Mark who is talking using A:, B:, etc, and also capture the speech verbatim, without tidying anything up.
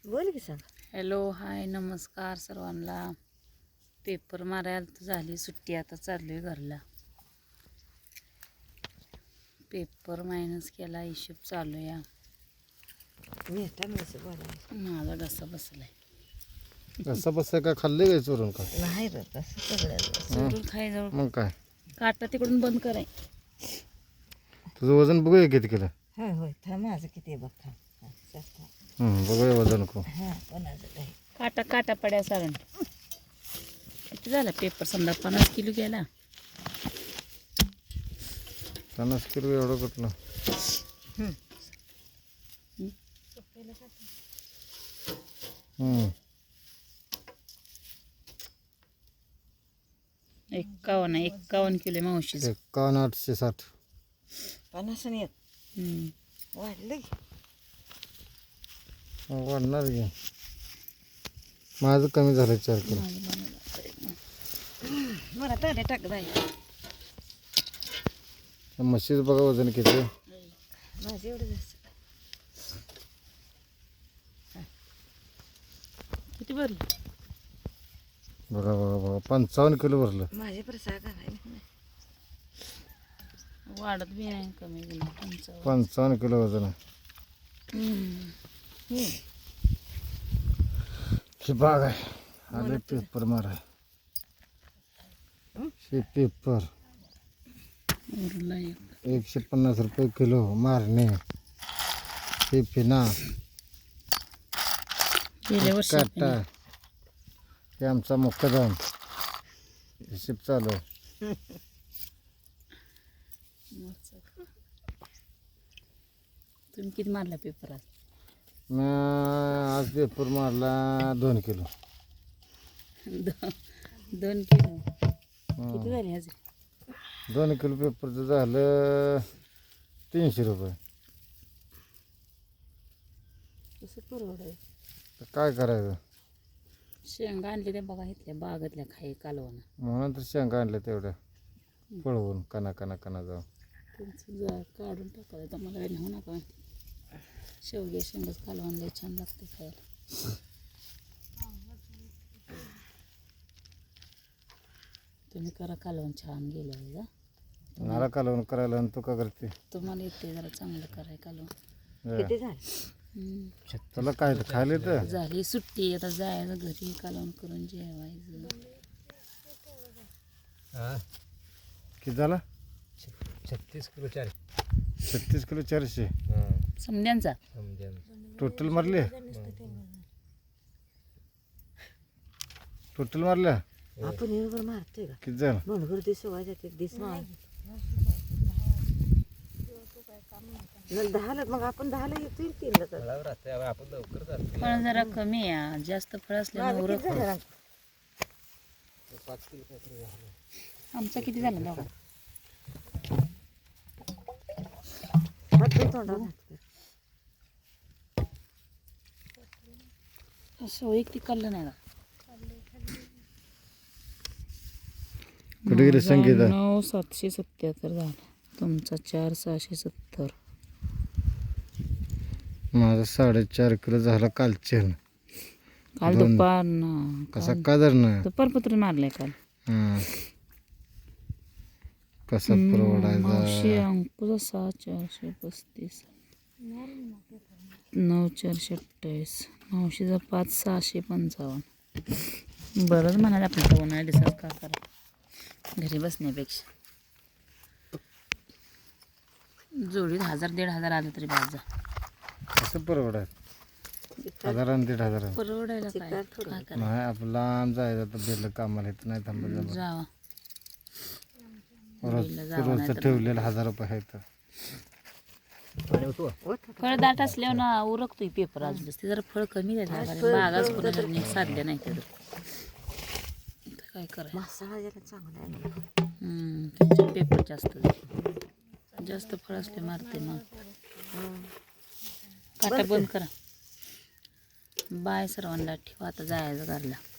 A: बोल की सांग.
B: हॅलो हाय नमस्कार सर्वांना. पेपर मारायला तर झाली सुट्टी, आता चाललोय घरला. पेपर मायनस केला, हिशोब चालू या.
A: मी कसं बोलायचं
B: माझा घसा बसलाय.
C: कसं बसं काय खाल्ले काय चोरून का?
A: नाही रे तसं सगळं
B: चोरून खायजवळ
C: मग काय
B: काटा तिकडून बंद कराय.
C: तुझं वजन बघूया किती केलं.
A: होय होय थांब माझं किती आहे बघ थांब. हा, चल, थांब.
C: हं, बघूया वजन को.
A: हा कोणाचं काही
B: काटा काटा पड्या सारण किती झाला पेपर? समजा पन्नास किलो गेला.
C: पन्नास किलो एवढं कुठलं. हं,
B: एक्कावन्न एक्कावन्न किलो मावशीच.
C: एकावन्न आठशे साठ.
A: पन्नास आणि एक वाढलं की.
C: मग वाढणार की. माझं कमी झालं चार किलो.
A: मला ताडे टाक बाई.
C: म्हशीचं बघा वजन किती आहे.
A: माझं एवढं जास्त
B: किती भरली?
C: बघा बघा बघा पंचावन्न किलो भरलं.
A: माझे प्रसाद आहे.
B: वाढत बी नाही कमी बी नाही. पंचावन्न.
C: पंचावन्न किलो वजन आहे. ही बाग आहे. आले पेपर माराय. हे पेपर
B: उरला एक.
C: एकशे पन्नास रुपये किलो मारणे. हे पिना
B: गेल्या वर्षी
C: काटा. हे आमचा मुक्कादम. हिशेब चालू आहे.
B: तुम्ही किती मारला पेपर आज?
C: मी आज पेपर मारला दोन किलो.
B: दो- दोन किलो किती झाले आज?
C: दोन किलो पेपरचं झालं तीनशे रुपये.
B: कसं परवडाय?
C: तर काय करायचं.
B: शेंगा आणले त्या बघा इथल्या बागातल्या खाई कालवण.
C: म्हणून तर शेंगा आणल्या तेवढ्या पळवून कना कना कना जाऊन.
B: त्यांचं जा काढून टाकायचं तर मला नाही नका माहिती. शेवगे शेंगाच कालवण लय छान लागते खायला. तुम्ही करा कालवण छान गेल्या वेळेला.
C: मला कालवण करायला आणि तू का करते.
B: तुम्हाला येते जरा चांगलं कराय कालवण.
A: किती झालं?
B: हम्म.
C: तुला काय तर खायला तर
B: झाली सुट्टी, आता जायचं घरी कालवण करून जेवायचं.
C: किती झाला.
D: छत्तीस किलो चार
C: छत्तीस किलो चारशे
B: समद्यांचा
C: टोटल मारले. टोटल मारल्या
A: आपण एवढं मारतोय का?
C: किती झालं.
A: म्हणून दिवस वाज एक दिवस मार दहाला मग आपण दहाला येतोय तीनला तर
D: फळावर असते. आपण लवकर जातो.
B: फळ जरा कमी आहे, जास्त फळ असल्यामुळे
A: माझं
B: उरक.
A: किती झालं?
D: पाच किलो काहीतरी झालं.
B: आमचा किती झाला बघा.
A: हात धुवून तोंडावर हात कर.
B: असं वैयक्तिक काढलं नाही का?
C: कुठे गेले संगीता.
B: नऊ सातशे सत्याहत्तर झाला. तुमचा चार सहाशे सत्तर.
C: माझा साडेचार किलो झाला कालचे.
B: काल
C: दोन.
B: दुपार ना
C: कसा का जर ना
B: दुपार पत्र मारलंय काल.
C: हां कसा
B: मावशी
C: परवडायचा.
B: अंकुचा सहा चारशे पस्तीस. नऊ चारशे अठ्ठावीस. मावशीचा पाच सहाशे पंचावन्न. बरंच म्हणाले आपण उन्हाळ्या दिवसात का करा घरी बसण्यापेक्षा. जोडीत हजार दीड हजार आलं तरी बाजा.
C: कसं परवडायचं. हजार आणि दीड हजार
B: परवडायला काय काय करा.
C: नाही आपलं लांब जायचं तर बेलं कामाला येत नाही थांबायचं.
B: जावा
C: रोज रोजचं ठेवलेलं हजार रुपये आहे तर.
B: फळ दाट असल्यावर ना उरकतोय पेपर अजून. ते जरा फळ कमी द्यायचं बागाच कोणाला नीट साधल्या नाही ते तर काय करायचं.
A: मसाला जरा चांगला आहे.
B: हम्म, त्यांचे पेपर जास्त जास्त फळ असले मारते मग. काटा बंद करा. बाय सर्वांना. ठेवा आता जायचं घरला.